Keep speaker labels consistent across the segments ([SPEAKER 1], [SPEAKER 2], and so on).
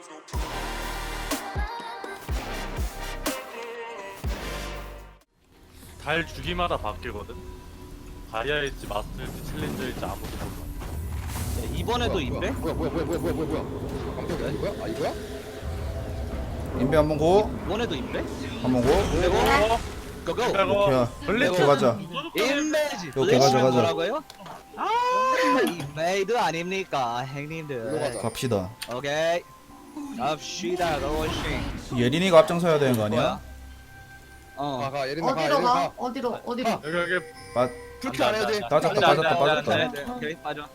[SPEAKER 1] 달 주기마다 바뀌거든. 가리아일지 마스터일지 챌린저일지 아무도 몰라.
[SPEAKER 2] 야, 이번에도 인베?
[SPEAKER 3] 뭐야 깜짝이야 이거야? 아 이거야?
[SPEAKER 4] 인베 한번 고.
[SPEAKER 2] 이번에도 인베?
[SPEAKER 4] 한번 고.
[SPEAKER 2] 내고 고고
[SPEAKER 1] 이거
[SPEAKER 4] 이렇게 가자.
[SPEAKER 2] 인베지
[SPEAKER 4] 오케이, 가자, 가자.
[SPEAKER 2] 뭐라고요? 아 인베이드 아닙니까
[SPEAKER 3] 일로
[SPEAKER 2] 형님들.
[SPEAKER 3] 가자.
[SPEAKER 4] 갑시다.
[SPEAKER 2] 오케이 갑시다 고고싱.
[SPEAKER 4] 예린이가 앞장서야 되는 거 아니야?
[SPEAKER 3] 가 예린아 가
[SPEAKER 5] 어디로
[SPEAKER 3] 예린아
[SPEAKER 5] 가?
[SPEAKER 3] 가
[SPEAKER 5] 어디로?
[SPEAKER 1] 여기
[SPEAKER 4] 빠
[SPEAKER 3] 그렇게 안 해야 돼
[SPEAKER 4] 빠졌다.
[SPEAKER 2] 오케이 빠져.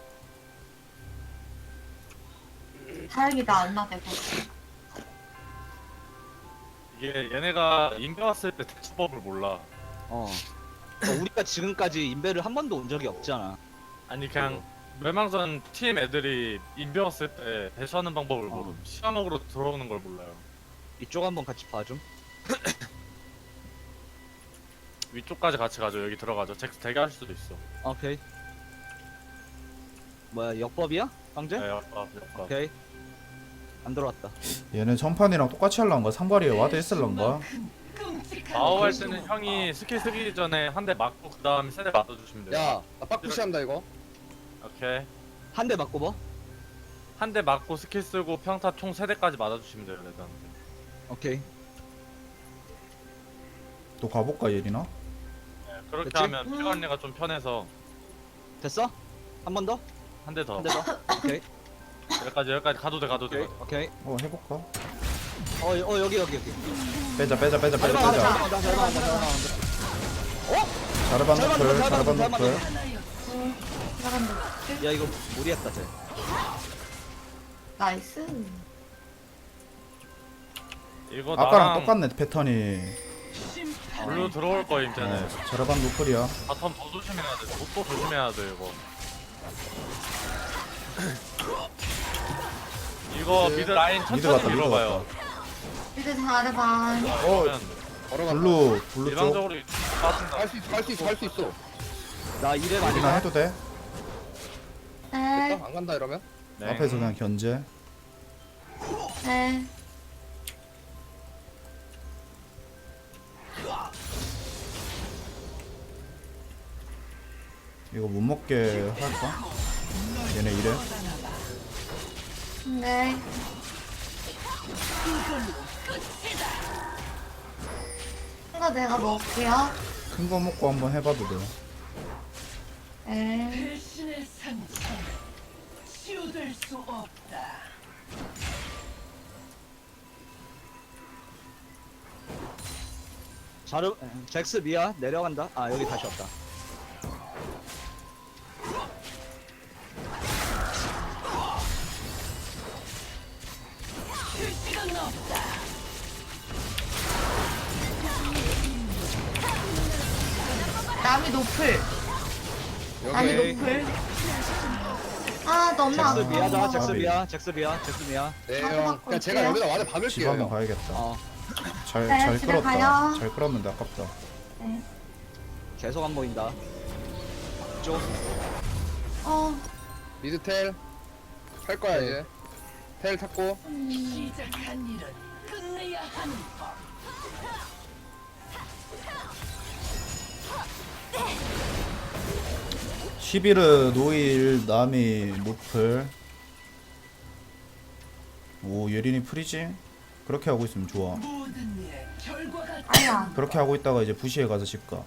[SPEAKER 5] 다행이다 안 나대고.
[SPEAKER 1] 이게 얘네가 인베 왔을 때 대처법을 몰라.
[SPEAKER 2] 우리가 지금까지 인베를 한 번도 온 적이 없잖아.
[SPEAKER 1] 아니 그냥 멸망전 팀 애들이 인베 왔을 때 대처하는 방법을 모름. 시야먹으로 들어오는 걸 몰라요.
[SPEAKER 2] 이쪽 한번 같이 봐줌.
[SPEAKER 1] 위쪽까지 같이 가죠. 여기 들어가죠. 잭스 대기할 수도 있어.
[SPEAKER 2] 오케이. 뭐야 역법이야? 강제?
[SPEAKER 1] 네, 역밥.
[SPEAKER 2] 오케이. 안 들어왔다.
[SPEAKER 4] 얘는 전판이랑 똑같이 할란가? 상발이에 와드 했을란가?
[SPEAKER 1] 마오 할 때는 형이 스킬 쓰기 전에 한 대 맞고 그 다음 세대 맞아주시면 돼요.
[SPEAKER 3] 야나 빡푸시 한다 이거
[SPEAKER 1] 오케이.
[SPEAKER 2] 한 대 맞고 뭐?
[SPEAKER 1] 한 대 맞고 스킬 쓰고 평타 총 3대까지 맞아주시면 돼요. 레드한테.
[SPEAKER 2] 오케이.
[SPEAKER 4] 또 가볼까 예린아?
[SPEAKER 1] 네, 그렇게
[SPEAKER 2] 됐지?
[SPEAKER 1] 하면 피관리가 좀 편해서
[SPEAKER 2] 됐어? 한 번 더?
[SPEAKER 1] 한 대 더.
[SPEAKER 2] 한 대 더? 오케이.
[SPEAKER 1] 여기까지 가도 돼.
[SPEAKER 2] 오케이. 오케이.
[SPEAKER 4] 해볼까?
[SPEAKER 2] 여기.
[SPEAKER 4] 빼자.
[SPEAKER 2] 잘 나온다.
[SPEAKER 4] 자르반
[SPEAKER 2] 잘
[SPEAKER 4] 노플.
[SPEAKER 2] 맞는다,
[SPEAKER 4] 자르반
[SPEAKER 2] 잘
[SPEAKER 4] 노플.
[SPEAKER 5] 잘한다.
[SPEAKER 2] 야 이거 무리했다 쟤.
[SPEAKER 5] 나이스.
[SPEAKER 1] 이거
[SPEAKER 4] 아까랑
[SPEAKER 1] 나랑
[SPEAKER 4] 똑같네 패턴이.
[SPEAKER 1] 블루 들어올 거임 쟤네.
[SPEAKER 4] 네, 자르반 노플이야.
[SPEAKER 1] 바텀 더 조심해야 돼. 또 조심해야 돼 이거. 이거 미드 라인
[SPEAKER 4] 미드
[SPEAKER 1] 천천히
[SPEAKER 4] 갔다.
[SPEAKER 1] 밀어봐요.
[SPEAKER 5] 이제 잘해봐.
[SPEAKER 1] 그러면
[SPEAKER 3] 걸어간다
[SPEAKER 4] 블루 쪽.
[SPEAKER 1] 일방적으로 빠진다.
[SPEAKER 3] 할 수 있어
[SPEAKER 2] 나 이래 많이
[SPEAKER 4] 예린아
[SPEAKER 2] 가.
[SPEAKER 4] 해도 돼?
[SPEAKER 5] 네.
[SPEAKER 3] 됐다? 안 간다 이러면?
[SPEAKER 1] 네.
[SPEAKER 4] 앞에서 그냥 견제.
[SPEAKER 5] 네.
[SPEAKER 4] 이거 못 먹게 할까? 얘네 이래.
[SPEAKER 5] 네. 이거 내가 먹을게요.
[SPEAKER 4] 큰 거 먹고 한번 해봐도 돼.
[SPEAKER 5] 네.
[SPEAKER 6] 배신의 상처는 치유될 수 없다.
[SPEAKER 2] 자르 잭스 미야 내려간다. 아 여기 다시 왔다.
[SPEAKER 6] 시간 없다.
[SPEAKER 5] 남이 높을. 남이
[SPEAKER 3] 여기
[SPEAKER 5] 높을. 아 너무
[SPEAKER 2] 잭스
[SPEAKER 5] 아파.
[SPEAKER 2] 미야다. 잭스
[SPEAKER 4] 가비.
[SPEAKER 2] 미야. 잭스 미야. 잭스 미야.
[SPEAKER 3] 네형 그냥 제가 여기다 와드
[SPEAKER 4] 집
[SPEAKER 3] 박을게요
[SPEAKER 4] 한번
[SPEAKER 3] 형
[SPEAKER 4] 가야겠다. 잘
[SPEAKER 5] 네, 집에
[SPEAKER 4] 끌었다.
[SPEAKER 5] 가요.
[SPEAKER 4] 잘 끌었는데 아깝다.
[SPEAKER 5] 네.
[SPEAKER 2] 계속 안 보인다. 쪽.
[SPEAKER 3] 미드 텔 할 거야 이제 텔 탔고
[SPEAKER 6] 시작한 일은 끝내야 하는 법.
[SPEAKER 4] 11은 노일 남이 노플. 오 예린이 프리징. 그렇게 하고 있으면 좋아.
[SPEAKER 6] 모든 일의 결과가
[SPEAKER 5] 아니야.
[SPEAKER 4] 그렇게 하고 있다가 이제 부시에 가서 집가.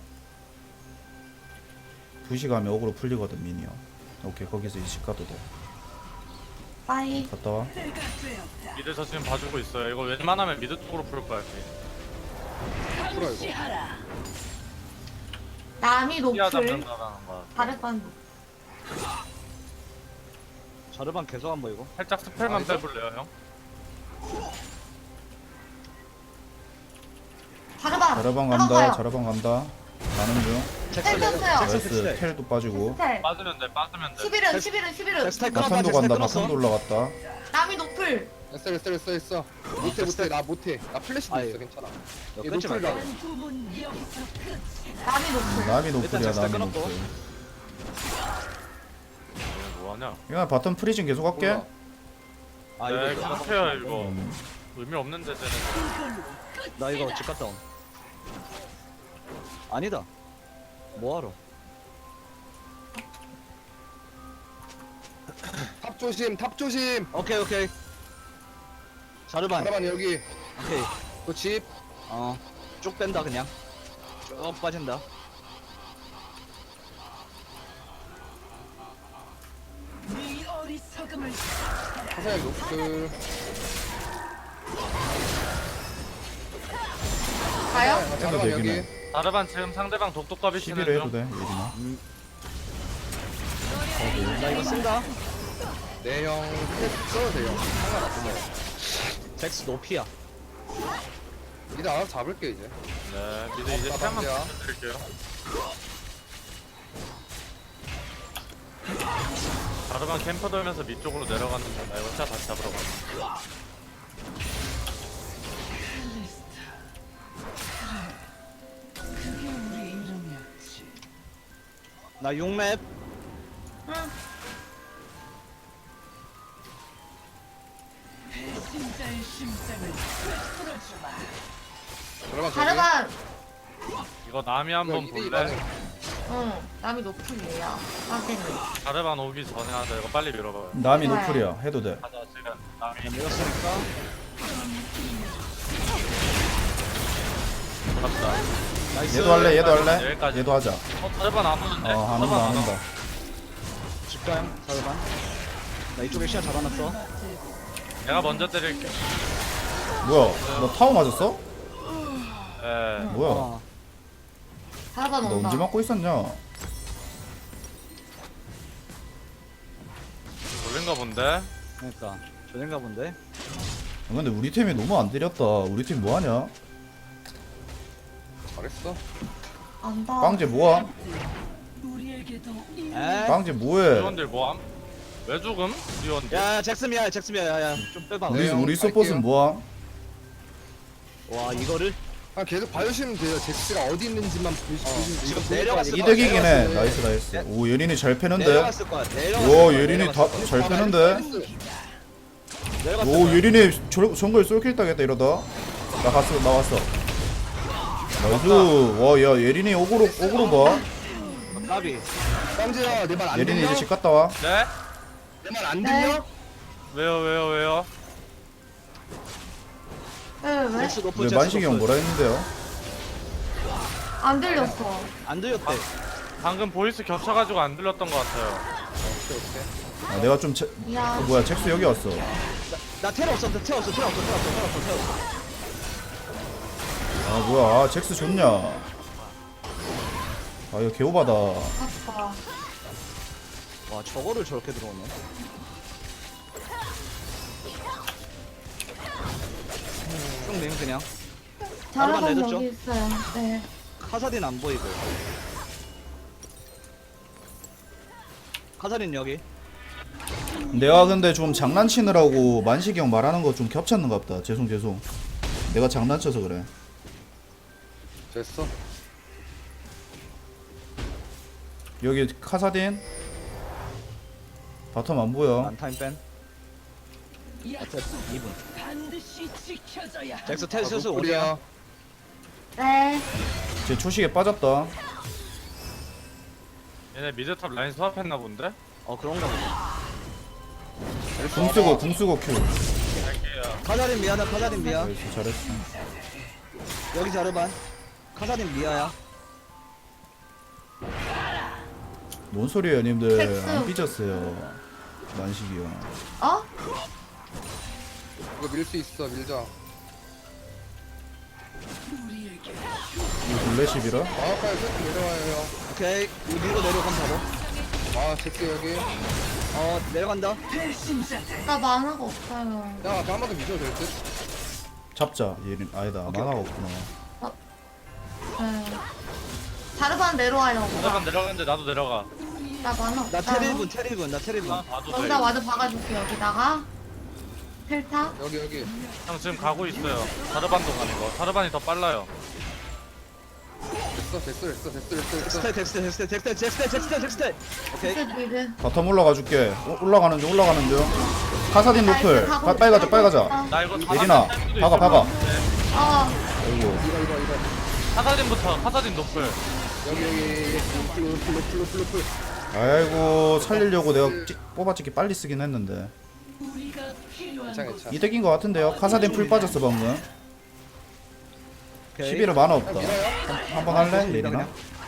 [SPEAKER 4] 부시 가면 어그로 풀리거든 미니어. 오케이 거기서 이제 집 가도 돼.
[SPEAKER 5] 빠이.
[SPEAKER 4] 갔다 와.
[SPEAKER 6] 때가 되었다.
[SPEAKER 1] 미드 저 지금 봐주고 있어요. 이거 웬만하면 미드 쪽으로 풀 거야.
[SPEAKER 3] 풀어 이거
[SPEAKER 6] 감시하라.
[SPEAKER 5] 남이
[SPEAKER 1] 피아
[SPEAKER 5] 높을.
[SPEAKER 1] 잡는다라는 거야.
[SPEAKER 5] 다르반 높을.
[SPEAKER 2] 자르반 계속 안 보이고.
[SPEAKER 1] 살짝 스펠만
[SPEAKER 3] 아, 이거?
[SPEAKER 1] 빼볼래요 형?
[SPEAKER 5] 다르반.
[SPEAKER 4] 자라방 간다. 자라방 간다. 가는 중.
[SPEAKER 2] 잭스
[SPEAKER 5] 텔 떴어요.
[SPEAKER 2] 잭스
[SPEAKER 4] 나이스.
[SPEAKER 2] 텍스트.
[SPEAKER 4] 텔도 빠지고.
[SPEAKER 5] 스텔.
[SPEAKER 1] 빠지면 돼. 빠지면 돼.
[SPEAKER 5] 11은.
[SPEAKER 2] 잭스 텔 끊었다.
[SPEAKER 4] 바텀도
[SPEAKER 2] 잭스 텔
[SPEAKER 4] 간다.
[SPEAKER 2] 끊었어.
[SPEAKER 4] 바텀도 올라갔다.
[SPEAKER 5] 남이 높을.
[SPEAKER 3] 했어 못해 나 못해 나 플래시도
[SPEAKER 2] 아유.
[SPEAKER 3] 있어 괜찮아
[SPEAKER 2] 이거
[SPEAKER 3] 얘
[SPEAKER 2] 끊지
[SPEAKER 3] 노플이다
[SPEAKER 2] 말자.
[SPEAKER 6] 부분 여기서 끝.
[SPEAKER 5] 남이 높을.
[SPEAKER 4] 남이
[SPEAKER 2] 일단
[SPEAKER 4] 노플이야.
[SPEAKER 2] 잭스텔
[SPEAKER 4] 남이
[SPEAKER 2] 끊었고.
[SPEAKER 4] 노플.
[SPEAKER 1] 얘 뭐하냐?
[SPEAKER 4] 이거 바텀 프리징 계속 할게.
[SPEAKER 3] 몰라.
[SPEAKER 2] 아
[SPEAKER 1] 네,
[SPEAKER 2] 이거
[SPEAKER 1] 계속해요 이거.
[SPEAKER 4] 음.
[SPEAKER 1] 의미 없는데 쟤는.
[SPEAKER 2] 나 이거 집 갔다 온. 아니다. 뭐하러?
[SPEAKER 3] 탑 조심, 탑 조심.
[SPEAKER 2] 오케이. 자르반.
[SPEAKER 3] 잠깐만 여기.
[SPEAKER 2] 오케이.
[SPEAKER 3] 또 집.
[SPEAKER 2] 쭉 뺀다 그냥. 쭉 빠진다.
[SPEAKER 6] 네 어리석음을
[SPEAKER 3] 화살 노플.
[SPEAKER 5] 가요?
[SPEAKER 3] 잠깐만
[SPEAKER 4] 되긴
[SPEAKER 3] 여기.
[SPEAKER 4] 해.
[SPEAKER 1] 자르반 지금 상대방 독독갑이 치는
[SPEAKER 4] 11회 해도
[SPEAKER 1] 중.
[SPEAKER 4] 돼 예린아.
[SPEAKER 2] 나 이거 쓴다.
[SPEAKER 3] 내형 써도 돼요. 상관없어요.
[SPEAKER 2] 잭스 노피야.
[SPEAKER 3] 이제 알아서 잡을게 이제.
[SPEAKER 1] 네, 미드 이제 시간만
[SPEAKER 3] 방지야.
[SPEAKER 1] 드릴게요. 자르반 캠퍼 돌면서 밑쪽으로 내려갔는데 나 이거 진짜 다시 잡으러 가.
[SPEAKER 6] 그게 우리 이름이었지.
[SPEAKER 2] 나 6맵.
[SPEAKER 5] 응.
[SPEAKER 6] 배신자의 심장을 풀어주마.
[SPEAKER 3] 잠깐만 저기.
[SPEAKER 5] 자르반.
[SPEAKER 1] 이거 남이 한번
[SPEAKER 3] 이거 이대
[SPEAKER 1] 볼래?
[SPEAKER 5] 응. 남이 노플이에요. 확인이.
[SPEAKER 1] 자르반 오기 전에 하자. 이거 빨리 밀어봐요.
[SPEAKER 4] 남이
[SPEAKER 5] 좋아요.
[SPEAKER 4] 노플이야 해도 돼.
[SPEAKER 1] 가자 지금 남이
[SPEAKER 2] 밀었으니까.
[SPEAKER 1] 잡자.
[SPEAKER 2] 나이스.
[SPEAKER 4] 얘도 할래 얘도 할래.
[SPEAKER 1] 여기까지.
[SPEAKER 4] 얘도 하자.
[SPEAKER 1] 자르반 안 오는데?
[SPEAKER 4] 안 온다 안 온다.
[SPEAKER 2] 집가요. 자르반. 나 이쪽에 시야 잡아놨어.
[SPEAKER 1] 내가 먼저 때릴게.
[SPEAKER 4] 뭐야 너 타워 맞았어?
[SPEAKER 1] 예.
[SPEAKER 4] 뭐야
[SPEAKER 5] 자르반
[SPEAKER 4] 너
[SPEAKER 5] 온다.
[SPEAKER 4] 언제 맞고 있었냐?
[SPEAKER 1] 돌린가 본데?
[SPEAKER 2] 그러니까 저인가 본데.
[SPEAKER 4] 근데 우리 팀이 너무 안 때렸다. 우리 팀 뭐하냐?
[SPEAKER 3] 잘했어.
[SPEAKER 5] 안다.
[SPEAKER 4] 빵제 뭐함?
[SPEAKER 6] 우리에게도 이
[SPEAKER 2] 에?
[SPEAKER 4] 빵제 뭐해?
[SPEAKER 1] 리원들 뭐함? 왜 죽음? 리원들.
[SPEAKER 2] 야 잭스미야. 야야 좀 빼봐.
[SPEAKER 3] 네. 형,
[SPEAKER 4] 우리 서폿은
[SPEAKER 3] 갈게요.
[SPEAKER 4] 뭐함?
[SPEAKER 2] 와 이거를
[SPEAKER 3] 아 계속 봐주시면 돼요. 잭스가 어디 있는지만 보시면
[SPEAKER 2] 지금
[SPEAKER 3] 돼요.
[SPEAKER 2] 내려갔을 거야.
[SPEAKER 4] 이득이긴 해.
[SPEAKER 2] 내려갔을
[SPEAKER 4] 나이스. 오 예린이 잘 패는데.
[SPEAKER 2] 내려갔을 거야.
[SPEAKER 4] 오 예린이 잘 패는데. 오 예린이 정글 쏠킬 따겠다 이러다. 나왔어. 나이스. 와야 예린이 오그로 봐.
[SPEAKER 2] 까비.
[SPEAKER 3] 깜지야 내 말 안
[SPEAKER 4] 예린이
[SPEAKER 3] 들려?
[SPEAKER 4] 이제 집 갔다 와.
[SPEAKER 1] 네?
[SPEAKER 3] 내 말 안
[SPEAKER 5] 네.
[SPEAKER 3] 들려?
[SPEAKER 1] 왜요?
[SPEAKER 5] 왜?
[SPEAKER 2] 잭스 높은
[SPEAKER 4] 왜
[SPEAKER 2] 잭스
[SPEAKER 4] 만식이 형
[SPEAKER 2] 높은.
[SPEAKER 4] 뭐라 했는데요?
[SPEAKER 5] 안 들렸어.
[SPEAKER 2] 안 들렸대.
[SPEAKER 1] 방금 보이스 겹쳐가지고 안 들렸던 것 같아요.
[SPEAKER 4] 아, 내가 좀
[SPEAKER 5] 야.
[SPEAKER 4] 뭐야 잭스 여기 왔어.
[SPEAKER 2] 나 테러 없어.
[SPEAKER 4] 아 뭐야 잭스 좋냐? 아 이거 개오바다.
[SPEAKER 5] 아빠.
[SPEAKER 2] 와 저거를 저렇게 들어오네. 쭉냉 그냥.
[SPEAKER 5] 자르반
[SPEAKER 2] 내줬죠?
[SPEAKER 5] 여기 있어요. 네.
[SPEAKER 2] 카사딘 안 보이고. 카사딘 여기.
[SPEAKER 4] 내가 근데 좀 장난치느라고 만식이 형 말하는 거 좀 겹쳤는가 보다. 죄송. 내가 장난쳐서 그래.
[SPEAKER 3] 됐어.
[SPEAKER 4] 여기 카사딘 바텀 안 보여.
[SPEAKER 2] 안타임 뺀.
[SPEAKER 6] 약속
[SPEAKER 2] 2분.
[SPEAKER 6] 반드시 지켜져야 한다.
[SPEAKER 2] 잭스 텔스스
[SPEAKER 3] 아,
[SPEAKER 2] 오리야.
[SPEAKER 3] 노플이야.
[SPEAKER 5] 네.
[SPEAKER 4] 제 초식에 빠졌다.
[SPEAKER 1] 얘네 미드탑 라인 수합했나 본데?
[SPEAKER 2] 그런가 보다.
[SPEAKER 4] 궁 쓰고 큐.
[SPEAKER 1] 갈게요.
[SPEAKER 2] 카사딘 미야다. 카사딘 미야.
[SPEAKER 4] 나이스 잘했어.
[SPEAKER 2] 여기 자르반. 카사딘 미야야.
[SPEAKER 4] 뭔 소리예요 님들.
[SPEAKER 5] 잭스.
[SPEAKER 4] 안 삐졌어요 만식이 형.
[SPEAKER 5] 어?
[SPEAKER 3] 이거 밀 수 있어. 밀자.
[SPEAKER 6] 우리에게
[SPEAKER 4] 이거 블레십이라?
[SPEAKER 3] 마우카에 슬쩍 내려와요.
[SPEAKER 2] 오케이. 이거 밀고 내려가면 바로.
[SPEAKER 3] 아 잭스 여기.
[SPEAKER 2] 내려간다.
[SPEAKER 6] 배신자들
[SPEAKER 5] 나 만화가 없어요.
[SPEAKER 3] 야 앞에 한 번 더 미셔도 될 듯.
[SPEAKER 4] 잡자. 얘는 아니다.
[SPEAKER 2] 오케이,
[SPEAKER 4] 만화가
[SPEAKER 2] 오케이.
[SPEAKER 4] 없구나.
[SPEAKER 5] 네. 자르반 내려와요.
[SPEAKER 1] 자르반 내려가는데 나도 내려가.
[SPEAKER 5] 나 만화
[SPEAKER 2] 나
[SPEAKER 5] 없어요.
[SPEAKER 2] 테리분. 나 테리분.
[SPEAKER 1] 봐도 돼.
[SPEAKER 5] 여기다 와드 박아줄게 여기다가. 펠타.
[SPEAKER 3] 여기.
[SPEAKER 1] 형 지금 가고 있어요. 자르반도 가는 거. 자르반이 더 빨라요.
[SPEAKER 3] 됐어.
[SPEAKER 2] 잭스텔. 오케이.
[SPEAKER 5] 엑스 미드.
[SPEAKER 4] 바텀 올라가 줄게. 올라가는 중. 카사딘 노플. 빨리 가자 빨리 가자.
[SPEAKER 1] 나 이거
[SPEAKER 4] 예린아,
[SPEAKER 1] 사사딘 할 수도
[SPEAKER 4] 박아,
[SPEAKER 1] 있을
[SPEAKER 4] 박아.
[SPEAKER 1] 것 같은데.
[SPEAKER 4] 아이고.
[SPEAKER 3] 이거
[SPEAKER 1] 카사딘부터 카사딘 노플.
[SPEAKER 3] 여기 플루
[SPEAKER 4] 아이고 살리려고 내가 뽑아찍기 빨리 쓰긴 했는데
[SPEAKER 6] 우리가 필요한
[SPEAKER 3] 괜찮아
[SPEAKER 6] 곳
[SPEAKER 3] 괜찮아
[SPEAKER 4] 이득인 것 같은데요. 카사딘 풀 빠졌어 방금.
[SPEAKER 2] 오케이.
[SPEAKER 4] 11호 만화 없다.
[SPEAKER 3] 밀어요?
[SPEAKER 4] 한번 할래? 예린아?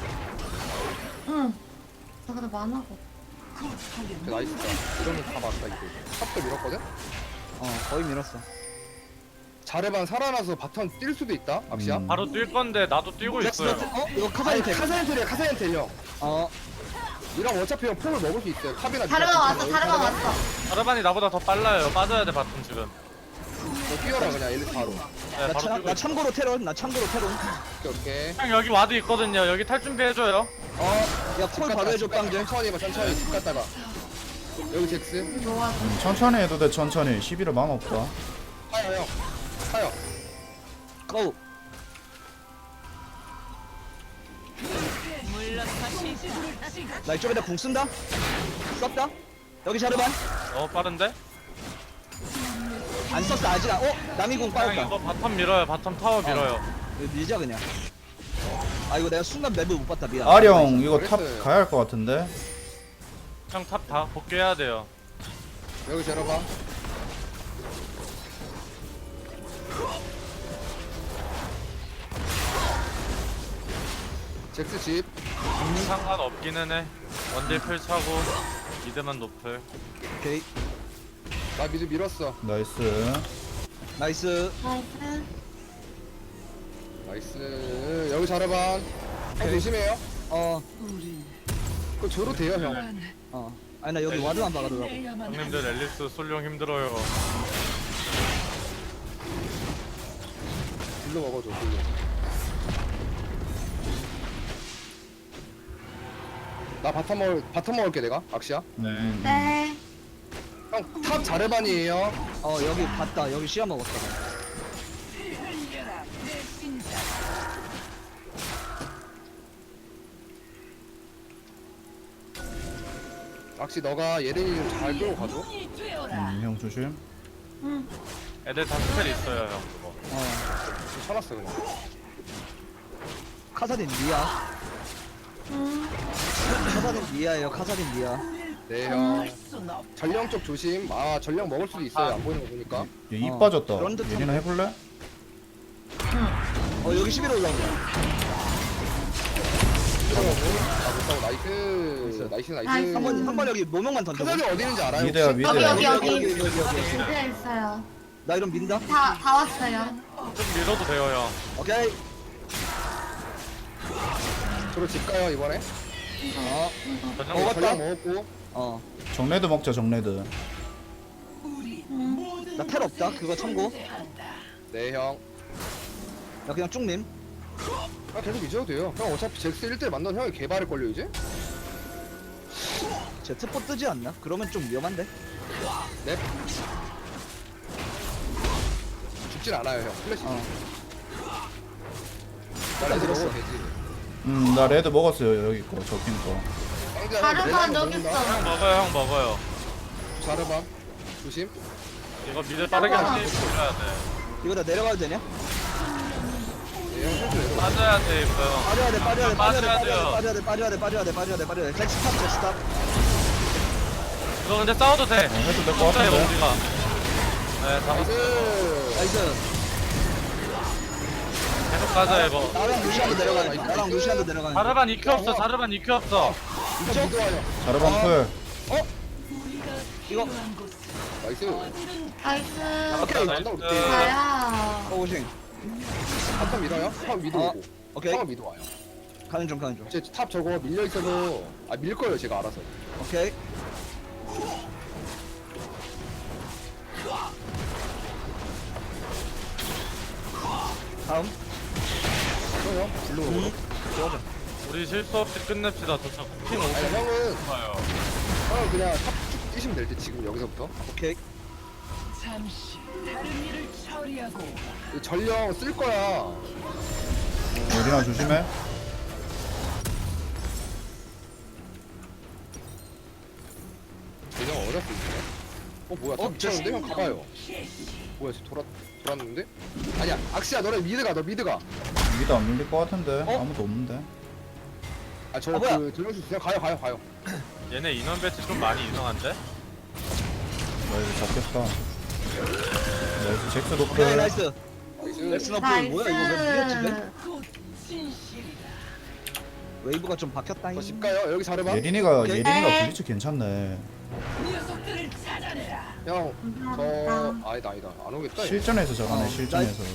[SPEAKER 5] 응. 나 근데 만화가.
[SPEAKER 3] 나이스 이러면 다 맞다 이거 탑도 밀었거든?
[SPEAKER 2] 거의 밀었어.
[SPEAKER 3] 자르반 살아나서 바텀 뛸 수도 있다 악시야
[SPEAKER 1] 바로 뛸 건데 나도 뛰고 있어요.
[SPEAKER 2] 이거
[SPEAKER 3] 아니
[SPEAKER 2] 카사딘
[SPEAKER 3] 카사엔텔이야 카사엔텔 형
[SPEAKER 2] 어
[SPEAKER 3] 이랑 어차피 형 폼을 먹을 수 있어요 탑이나
[SPEAKER 5] 다르가 왔어. 다르가 왔어.
[SPEAKER 1] 자르반이 나보다 더 빨라요. 빠져야 돼 바텀 지금.
[SPEAKER 3] 너 뛰어라 그냥 엘리트 바로
[SPEAKER 1] 네, 바로 뛰고
[SPEAKER 2] 나
[SPEAKER 1] 있어.
[SPEAKER 2] 참고로 테론. 나 참고로 테론.
[SPEAKER 3] 오케이
[SPEAKER 1] 형 여기 와드 있거든요. 여기 탈 준비해줘요.
[SPEAKER 2] 야콜 바로 해줘 깡제.
[SPEAKER 3] 천천히 해봐 천천히 집 갔다가 여기 잭스
[SPEAKER 5] 노아.
[SPEAKER 4] 천천히 해도 돼 천천히. 11호 만화 없다.
[SPEAKER 3] 타요 형 타요
[SPEAKER 2] 고. 나 이쪽에다 궁 쓴다. 썼다. 여기 자르반.
[SPEAKER 1] 빠른데?
[SPEAKER 2] 안 썼어 아직. 남이 궁
[SPEAKER 1] 형
[SPEAKER 2] 빠졌다.
[SPEAKER 1] 이거 바텀 밀어요. 바텀 타워 밀어요.
[SPEAKER 2] 이거 밀자 그냥. 아 이거 내가 순간 맵을 못 봤다 미안.
[SPEAKER 4] 아령 이거 탑
[SPEAKER 3] 그랬어요.
[SPEAKER 4] 가야 할 것 같은데.
[SPEAKER 1] 형 탑 다 복귀해야 돼요.
[SPEAKER 3] 여기 재려봐 잭스 집
[SPEAKER 1] 상관없기는 해. 원딜 풀차고 미드만 높을.
[SPEAKER 2] 오케이.
[SPEAKER 3] 나 미드 밀었어
[SPEAKER 4] 나이스.
[SPEAKER 2] 나이스.
[SPEAKER 5] 나이스.
[SPEAKER 3] 나이스 여기 자르반 형 조심해요 그거 줘도 돼요 형
[SPEAKER 2] 아니 나 여기 와드만 박아두라고.
[SPEAKER 1] 형님들 앨리스 솔룡 힘들어요.
[SPEAKER 3] 딜로 먹어줘 딜로 나 바텀 먹을게 내가 악시야
[SPEAKER 5] 네.
[SPEAKER 3] 형 탑 자르반이에요
[SPEAKER 2] 여기 봤다. 여기 시야 먹었다.
[SPEAKER 3] 악시 너가 예린이 좀 잘 끌고 가줘
[SPEAKER 4] 형 조심.
[SPEAKER 5] 응.
[SPEAKER 1] 애들 다 스펠 있어요 형 그거.
[SPEAKER 3] 좀 쳐놨어 그냥
[SPEAKER 2] 카사딘 미야.
[SPEAKER 5] 응.
[SPEAKER 2] 카사딘 미야예요. 카사딘 미야.
[SPEAKER 3] 네형 전령 쪽 조심 전령 먹을 수도 있어요 안 보이는 거 보니까
[SPEAKER 4] 얘 입 빠졌다.
[SPEAKER 2] 그런 듯한-
[SPEAKER 4] 예린아 해볼래?
[SPEAKER 2] 여기 11호 올라온다.
[SPEAKER 3] 못하고 나이스 나이스
[SPEAKER 5] 나이스.
[SPEAKER 2] 한번 여기 모명만 던져.
[SPEAKER 3] 카사디 어디 있는지 알아요?
[SPEAKER 4] 미드야
[SPEAKER 3] 혹시?
[SPEAKER 4] 미드야.
[SPEAKER 5] 여기.
[SPEAKER 2] 오케이.
[SPEAKER 5] 미드에 있어요.
[SPEAKER 2] 나 이런 민다.
[SPEAKER 5] 다 왔어요.
[SPEAKER 1] 좀 밀어도 돼요 형.
[SPEAKER 2] 오케이.
[SPEAKER 3] 저로 집 가요 이번에
[SPEAKER 1] 전령
[SPEAKER 2] 먹었다.
[SPEAKER 3] 전령 먹었고
[SPEAKER 4] 정레드 먹자 정레드.
[SPEAKER 2] 나 텔 없다. 그거 참고.
[SPEAKER 3] 네형
[SPEAKER 2] 나 그냥 쭉님.
[SPEAKER 3] 계속 잊어도 돼요 형 어차피 잭스 1대1 만나면 형이 개발을걸요 이제?
[SPEAKER 2] 제 트포 뜨지 않나? 그러면 좀 위험한데.
[SPEAKER 3] 넵 죽진 않아요 형 플래시 나 레드
[SPEAKER 2] 들었어.
[SPEAKER 3] 먹어도 되지
[SPEAKER 4] 나 레드 먹었어요 여기 거 적힌 거.
[SPEAKER 5] 다르반 여기 있어.
[SPEAKER 1] 형 먹어요 형 먹어요.
[SPEAKER 3] 자르반 조심
[SPEAKER 1] 이거 미드 빠르게 한 게임 돌려야 돼.
[SPEAKER 2] 이거 다 내려가도 되냐?
[SPEAKER 3] 네형 실수 내려
[SPEAKER 1] 빠져야 돼 이거 형.
[SPEAKER 2] 빠져야 돼.
[SPEAKER 1] 빠져야 돼요.
[SPEAKER 2] 잭스 탑.
[SPEAKER 1] 이거 근데 싸워도 돼.
[SPEAKER 4] 해도 될 것
[SPEAKER 1] 싸워도 돼
[SPEAKER 4] 같은데.
[SPEAKER 1] 우리가. 네 잡았어.
[SPEAKER 3] 나이스
[SPEAKER 2] 나이스.
[SPEAKER 1] 계속 가자 이거.
[SPEAKER 2] 나랑 루시안도 내려가.
[SPEAKER 1] 자르반 EQ 없어. 자르반 EQ 없어.
[SPEAKER 3] 이쪽 미드와요
[SPEAKER 4] 자르반 풀.
[SPEAKER 2] 이거
[SPEAKER 3] 나이스
[SPEAKER 5] 나이스.
[SPEAKER 2] 오케이.
[SPEAKER 3] 나이스
[SPEAKER 5] 가야.
[SPEAKER 2] 오싱.
[SPEAKER 3] 탑 밀어요? 탑 미드 오고
[SPEAKER 2] 오케이.
[SPEAKER 3] 탑은 미드 와요
[SPEAKER 2] 가는 중.
[SPEAKER 3] 제탑 저거 밀려있어서 밀거예요 제가 알아서
[SPEAKER 2] 오케이. 다음.
[SPEAKER 3] 맞아요 블루 오고
[SPEAKER 1] 우리 실수 없이 끝냅시다. 저 쿠킹 오고
[SPEAKER 3] 아니 형은
[SPEAKER 1] 싶어요.
[SPEAKER 3] 그냥 탑쭉 뛰시면 될 때 지금 여기서부터
[SPEAKER 2] 오케이.
[SPEAKER 6] 잠시 다른 일을 처리하고
[SPEAKER 3] 이 전령 쓸 거야
[SPEAKER 4] 예린아 조심해.
[SPEAKER 3] 전령 어렵을 때 뭐야 다
[SPEAKER 2] 어,
[SPEAKER 3] 미쳤는데? 형 가봐요. 뭐야 쟤 돌았는데? 아니야 악시야 너네 미드 가. 너 미드 가.
[SPEAKER 4] 여기도 안 밀릴 것 같은데
[SPEAKER 2] 어?
[SPEAKER 4] 아무도 없는데.
[SPEAKER 3] 아저
[SPEAKER 2] 뭐야?
[SPEAKER 3] 그 전령수 그냥 가요.
[SPEAKER 1] 얘네 인원 배치 좀 많이 이상한데?
[SPEAKER 4] 나 이거 잡겠다. 나이스 잭스
[SPEAKER 2] 오케이
[SPEAKER 4] 노플.
[SPEAKER 2] 나이스.
[SPEAKER 3] 나이스.
[SPEAKER 2] 엑스너프 뭐야 이거 왜 밀렸지? 왜?
[SPEAKER 6] 곧 진실이다.
[SPEAKER 2] 웨이브가 좀 바뀌었다.
[SPEAKER 3] 집 가요. 여기 잘해봐.
[SPEAKER 4] 예린이가
[SPEAKER 2] 오케이.
[SPEAKER 4] 예린이가 블리츠 괜찮네.
[SPEAKER 6] 녀석들을 찾아내라.
[SPEAKER 3] 형,
[SPEAKER 5] 감사합니다.
[SPEAKER 3] 아니다. 안 오겠다. 얘.
[SPEAKER 4] 실전에서 저거네
[SPEAKER 2] 어,
[SPEAKER 4] 실전에서.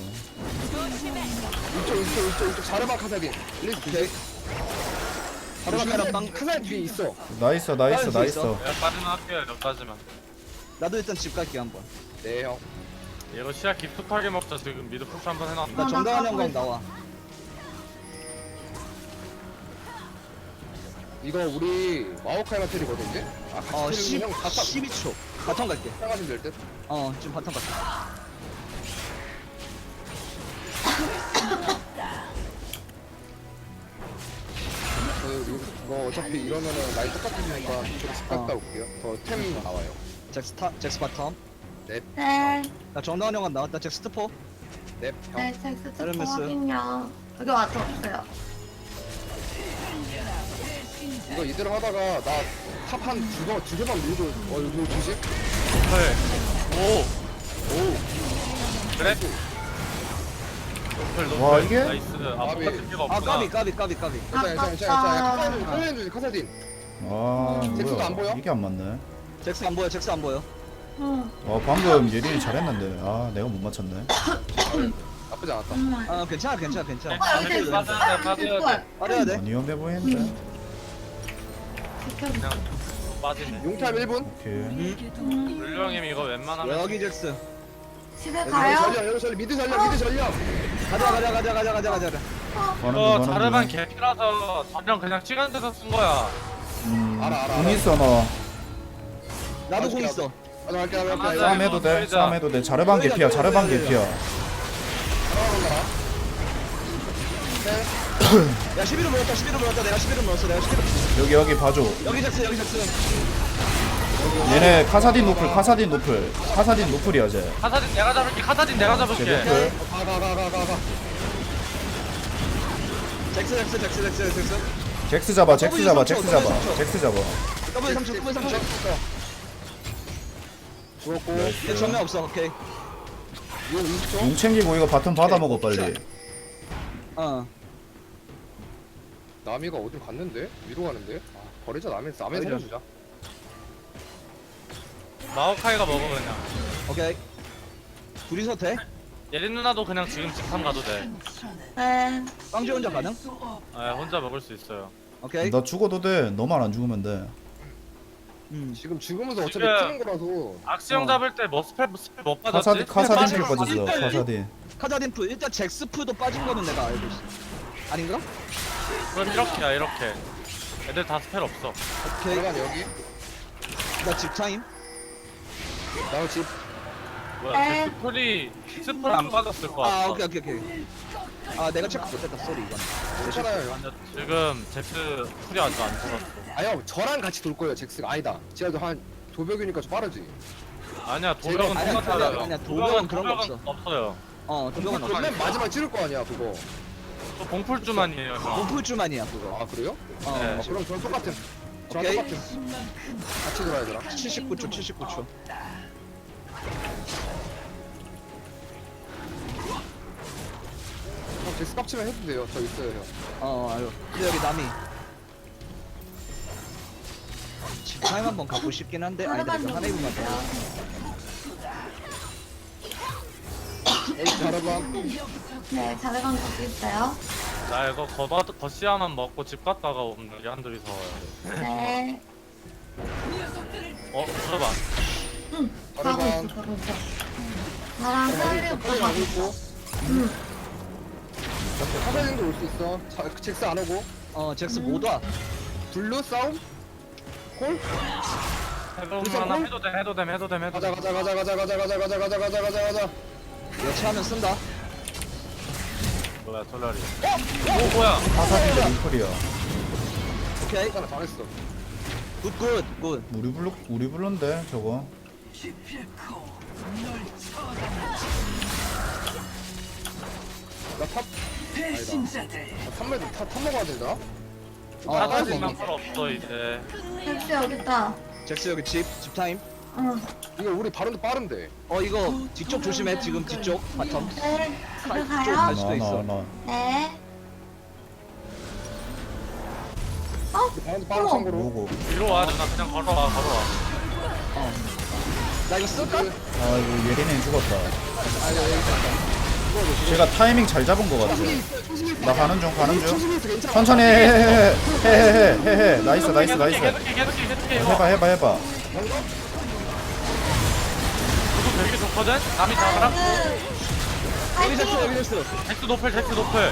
[SPEAKER 3] 이쪽 자르마 카사딘. 리스
[SPEAKER 2] 오케이.
[SPEAKER 3] 자르마
[SPEAKER 2] 조심해라, 빵.
[SPEAKER 3] 카사딘 뒤에 있어.
[SPEAKER 4] 나이스
[SPEAKER 2] 빠질 수
[SPEAKER 4] 나이스.
[SPEAKER 1] 내가 빠지면 할게요 여기까지만.
[SPEAKER 2] 나도 일단 집 갈게 한번.
[SPEAKER 3] 네 형.
[SPEAKER 1] 이거 시야 깊숙하게 먹자. 지금 미드 푸시 한번 해놨다.
[SPEAKER 2] 나 정강한 형광 나와.
[SPEAKER 3] 이거 우리 마오카이 마텔이거든요. 아 같이
[SPEAKER 2] 어
[SPEAKER 3] 때리면 형 바텀
[SPEAKER 2] 12초. 바텀 갈게.
[SPEAKER 3] 따가시면 될 듯.
[SPEAKER 2] 지금 바텀 갈게.
[SPEAKER 3] 이거 어차피 이러면은 라인 똑같으니까 좀 집 갔다 올게요. 더 템 나와요.
[SPEAKER 2] 잭스 바텀.
[SPEAKER 3] 넵.
[SPEAKER 5] 네.
[SPEAKER 2] 나 정강한 형광 나왔다. 잭스 트포.
[SPEAKER 3] 넵. 형.
[SPEAKER 5] 네, 섹스 특허
[SPEAKER 2] 에르메스.
[SPEAKER 5] 확인요. 여기 와서 없어요.
[SPEAKER 3] 이거 이대로 하다가 나 탑 한 두세 번 밀고 이거 조심.
[SPEAKER 1] 네. 오. 그래? 노플,
[SPEAKER 4] 와,
[SPEAKER 1] 노플.
[SPEAKER 4] 이게?
[SPEAKER 1] 나이스. 아
[SPEAKER 3] 까비.
[SPEAKER 1] 똑같은 데가
[SPEAKER 2] 아
[SPEAKER 1] 없구나.
[SPEAKER 2] 까비.
[SPEAKER 3] 괜찮아. 카사딘 주지 카사딘.
[SPEAKER 4] 아
[SPEAKER 3] 잭스도 안 보여?
[SPEAKER 4] 뭐야 이게 안 맞네.
[SPEAKER 2] 잭스 안 보여.
[SPEAKER 5] 응.
[SPEAKER 4] 와 방금 예린이 잘했는데 아 내가 못 맞췄네.
[SPEAKER 3] 나쁘지 않았다.
[SPEAKER 5] 정말.
[SPEAKER 2] 아 괜찮아.
[SPEAKER 5] 아, 여기 있어.
[SPEAKER 1] 빠져야 돼, 빠져야 돼.
[SPEAKER 2] 빠져야 돼.
[SPEAKER 4] 위험해 보이는데.
[SPEAKER 5] 지켜주세요.
[SPEAKER 1] 그냥 빠지네.
[SPEAKER 3] 용탑 1분.
[SPEAKER 4] 오케이.
[SPEAKER 1] 물령님 이거 웬만하면
[SPEAKER 2] 여기 잭스.
[SPEAKER 5] 집에 가요?
[SPEAKER 3] 여기 전령 미드 전령.
[SPEAKER 2] 가자.
[SPEAKER 4] 가는
[SPEAKER 1] 이거
[SPEAKER 4] 중
[SPEAKER 1] 자르반
[SPEAKER 4] 가는 중.
[SPEAKER 1] 개피라서 전령 그냥 시간 돼서 쓴 거야.
[SPEAKER 3] 알아.
[SPEAKER 4] 공 있어 너.
[SPEAKER 2] 나도 공 있어.
[SPEAKER 3] 갈게.
[SPEAKER 1] 맞아.
[SPEAKER 4] 싸움 해도 돼.
[SPEAKER 1] 보이자.
[SPEAKER 4] 싸움 해도 돼. 자르반 개피야. 자르반 개피야.
[SPEAKER 2] 야 11을 물었다. 내가 11을 물었어.
[SPEAKER 4] 여기 봐줘.
[SPEAKER 2] 여기 잭스.
[SPEAKER 4] 얘네 카사딘 노플이야 쟤.
[SPEAKER 1] 카사딘 내가 잡을게. 카사딘 내가
[SPEAKER 4] 쟤
[SPEAKER 1] 잡을게.
[SPEAKER 4] 노플.
[SPEAKER 3] 가.
[SPEAKER 2] 잭스.
[SPEAKER 4] 잭스 잡아. 잭스 잡아.
[SPEAKER 2] 더블 3초.
[SPEAKER 3] 죽었고.
[SPEAKER 2] 얘 전면 없어. 오케이.
[SPEAKER 3] 이거 20초.
[SPEAKER 4] 용 챙기고 이거 바텀 받아 먹어 빨리.
[SPEAKER 3] 나미가 어디 갔는데? 위로 가는데? 아, 버리자 남의 살려주자.
[SPEAKER 1] 마오카이가 먹어 그냥.
[SPEAKER 2] 오케이. 둘이서 돼?
[SPEAKER 1] 예린 누나도 그냥 지금 직함 가도 돼.
[SPEAKER 5] 네.
[SPEAKER 2] 빵지 혼자 가능?
[SPEAKER 1] 아, 혼자 먹을 수 있어요.
[SPEAKER 2] 오케이.
[SPEAKER 4] 나 죽어도 돼. 너만 안 죽으면 돼.
[SPEAKER 3] 지금 죽으면서 어차피
[SPEAKER 1] 지금-
[SPEAKER 3] 푸는 거라서.
[SPEAKER 1] 악시형 잡을 때 뭐 스펠 못 빠졌지?
[SPEAKER 4] 카사딘 필
[SPEAKER 2] 빠져.
[SPEAKER 4] 빠졌어.
[SPEAKER 2] 일단-
[SPEAKER 4] 카사딘.
[SPEAKER 2] 카자딘프 일단 잭스프도 빠진 거는 내가 알고 있어. 아닌가?
[SPEAKER 1] 그럼 이렇게야 이렇게. 애들 다 스펠 없어.
[SPEAKER 2] 오케이.
[SPEAKER 3] 잠깐 여기.
[SPEAKER 2] 나 집타임.
[SPEAKER 3] 나 집.
[SPEAKER 1] 뭐야?
[SPEAKER 5] 네.
[SPEAKER 1] 제 스플 안 빠졌을 것 같아.
[SPEAKER 2] 아 오케이. 아 내가 체크 못했다. 쏘리 이건.
[SPEAKER 3] 괜찮아요.
[SPEAKER 1] 아니야, 지금 제트 풀이 아직 안 들었어.
[SPEAKER 3] 형 저랑 같이 돌 거예요 잭스가. 아니다. 지하도 한 도벽이니까 좀 빠르지.
[SPEAKER 1] 아니야 도벽은
[SPEAKER 2] 아니야,
[SPEAKER 1] 똑같아요.
[SPEAKER 2] 아니야, 도벽은 그런 거 없어.
[SPEAKER 1] 없어요.
[SPEAKER 2] 도벽은 없어.
[SPEAKER 3] 맨 마지막 찌를 거 아니야 그거.
[SPEAKER 1] 또 봉풀주만이에요. 형.
[SPEAKER 2] 몸풀주만이야 그거.
[SPEAKER 3] 아 그래요?
[SPEAKER 1] 네.
[SPEAKER 3] 그럼 저랑 똑같은. 저랑
[SPEAKER 2] 오케이.
[SPEAKER 3] 똑같은. 같이 돌아야 되나?
[SPEAKER 2] 79초.
[SPEAKER 3] 형 잭스 깝치면 해도 돼요. 저 있어요 형.
[SPEAKER 2] 알어. 근데 여기 남이. 집타임 한번 가고 싶긴 한데 아니다. 이거 하나 입으면 돼.
[SPEAKER 3] 여기 자르봐.
[SPEAKER 5] 네, 자르반 거기 있어요.
[SPEAKER 1] 나 이거 거시야만 먹고 집 갔다가 오는 게 한둘이서.
[SPEAKER 5] 네.
[SPEAKER 1] 들어봐.
[SPEAKER 5] 가고
[SPEAKER 3] 자르반.
[SPEAKER 5] 있어. 나랑 셀리 오빠
[SPEAKER 3] 빨리
[SPEAKER 5] 가고
[SPEAKER 3] 가고
[SPEAKER 5] 있어.
[SPEAKER 3] 있고. 카사딘도 올 수 있어. 잭스 안 오고.
[SPEAKER 2] 잭스 못 와.
[SPEAKER 3] 블루 싸움? 콜?
[SPEAKER 1] 해보면 하나 해도 됨.
[SPEAKER 3] 가자.
[SPEAKER 2] 여차하면 쓴다.
[SPEAKER 1] 뭐야 솔라리. 오 뭐야?
[SPEAKER 4] 카사딘 노플이야.
[SPEAKER 2] 오케이.
[SPEAKER 3] 괜찮아 잘했어.
[SPEAKER 2] 굿.
[SPEAKER 4] 우리 블루인데 저거.
[SPEAKER 6] 기필코 널 처단하지.
[SPEAKER 3] 나탑
[SPEAKER 6] 배신자들.
[SPEAKER 3] 탑매도 탑 먹어야 된다.
[SPEAKER 1] 사다리만 필요 없어 이제.
[SPEAKER 5] 헬스 여기 있다.
[SPEAKER 2] 잭스 여기 집 타임.
[SPEAKER 5] 응.
[SPEAKER 3] 이거 우리 바론도 빠른데.
[SPEAKER 2] 이거 뒤쪽 조심해. 지금 뒤쪽 바텀.
[SPEAKER 5] 네. 집에
[SPEAKER 2] 갈
[SPEAKER 5] 가요.
[SPEAKER 2] 수도 있어.
[SPEAKER 4] 나.
[SPEAKER 5] 네.
[SPEAKER 3] 바론도 빠른
[SPEAKER 5] 어머.
[SPEAKER 3] 참고로.
[SPEAKER 4] 뭐고?
[SPEAKER 1] 위로 와 누나 그냥 걸어와.
[SPEAKER 2] 나 이거 쓸까?
[SPEAKER 4] 아 이거 예린이 죽었다.
[SPEAKER 3] 아니 여기
[SPEAKER 4] 제가 타이밍 잘 잡은 거 같아. 나 가는 중.
[SPEAKER 3] 초심이 있어 괜찮아.
[SPEAKER 4] 천천히 해. 나이스.
[SPEAKER 1] 계속해 이거.
[SPEAKER 4] 해봐.
[SPEAKER 1] 그거 되게 좋거든? 남이 잡아라?
[SPEAKER 2] 여기 잭스 여기 잭스.
[SPEAKER 1] 잭스 노플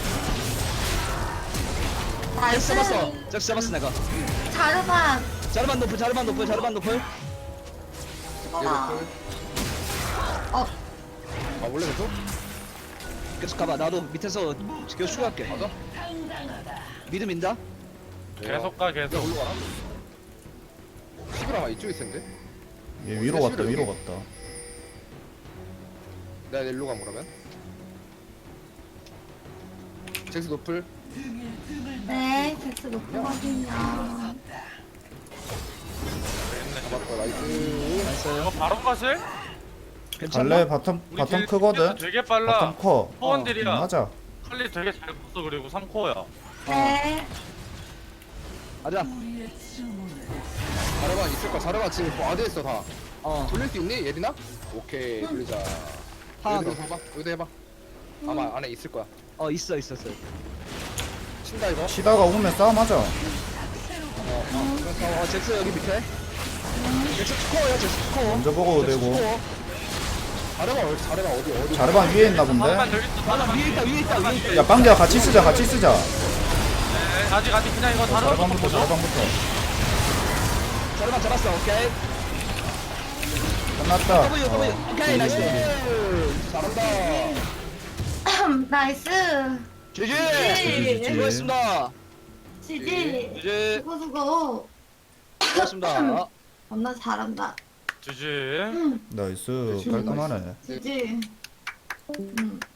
[SPEAKER 2] 잭스 잡았어. 잭스 잡았어 내가.
[SPEAKER 5] 자르반.
[SPEAKER 2] 자르반 노플.
[SPEAKER 5] 어라. 어.
[SPEAKER 3] 아 원래 계속?
[SPEAKER 2] 계속 가봐. 나도 밑에서 계속 추가할게. 맞아? 미드 민다.
[SPEAKER 1] 계속 가 계속.
[SPEAKER 3] 올라가라. 시그라마 이쪽에 있을 텐데.
[SPEAKER 4] 얘 위로 갔다.
[SPEAKER 3] 내가 일로 가면 그러면. 잭스 노플.
[SPEAKER 5] 네. 잭스 높거든요.
[SPEAKER 3] 잡았다 나이스.
[SPEAKER 1] 이거 바로 가실?
[SPEAKER 4] 갈래 바텀 크거든.
[SPEAKER 1] 되게 빨라.
[SPEAKER 4] 바텀 커.
[SPEAKER 1] 포원딜이야.
[SPEAKER 4] 맞아.
[SPEAKER 1] 칼리 되게 잘 컸어. 그리고 3코어야.
[SPEAKER 5] 네.
[SPEAKER 2] 가자.
[SPEAKER 6] 우리의 주문을
[SPEAKER 3] 자르반 있을 거야. 자르반 지금 뭐 어디 있어 다.
[SPEAKER 2] 어.
[SPEAKER 3] 돌릴 수 있니 예린아? 오케이 돌리자.
[SPEAKER 2] 하나
[SPEAKER 3] 여기도
[SPEAKER 2] 더.
[SPEAKER 3] 해봐. 여기도 해봐. 아마 안에 있을 거야.
[SPEAKER 2] 있어.
[SPEAKER 3] 친다 이거.
[SPEAKER 4] 치다가 오면 싸움하자.
[SPEAKER 2] 잭스 여기 밑에. 잭스 스코어야 잭스 스코어.
[SPEAKER 4] 먼저 보고 되고.
[SPEAKER 3] 자르반 어디?
[SPEAKER 4] 자르반 위에 있나
[SPEAKER 1] 잠깐만
[SPEAKER 4] 본데.
[SPEAKER 1] 여기 있어.
[SPEAKER 2] 위에 있다.
[SPEAKER 4] 야 빵기야 같이 쓰자.
[SPEAKER 1] 네, 아직 그냥 이거 다른 거
[SPEAKER 4] 자르반부터.
[SPEAKER 2] 자르반 잡았어. 오케이.
[SPEAKER 4] 끝났다.
[SPEAKER 2] W. 오케이 나이스.
[SPEAKER 3] 잘한다.
[SPEAKER 5] 나이스.
[SPEAKER 2] GG. 수고했습니다.
[SPEAKER 5] 지지.
[SPEAKER 2] 이제
[SPEAKER 5] 수고.
[SPEAKER 2] 수고했습니다.
[SPEAKER 5] 겁나 잘한다.
[SPEAKER 1] 주지.
[SPEAKER 4] 나이스 깔끔하네.
[SPEAKER 5] 지지.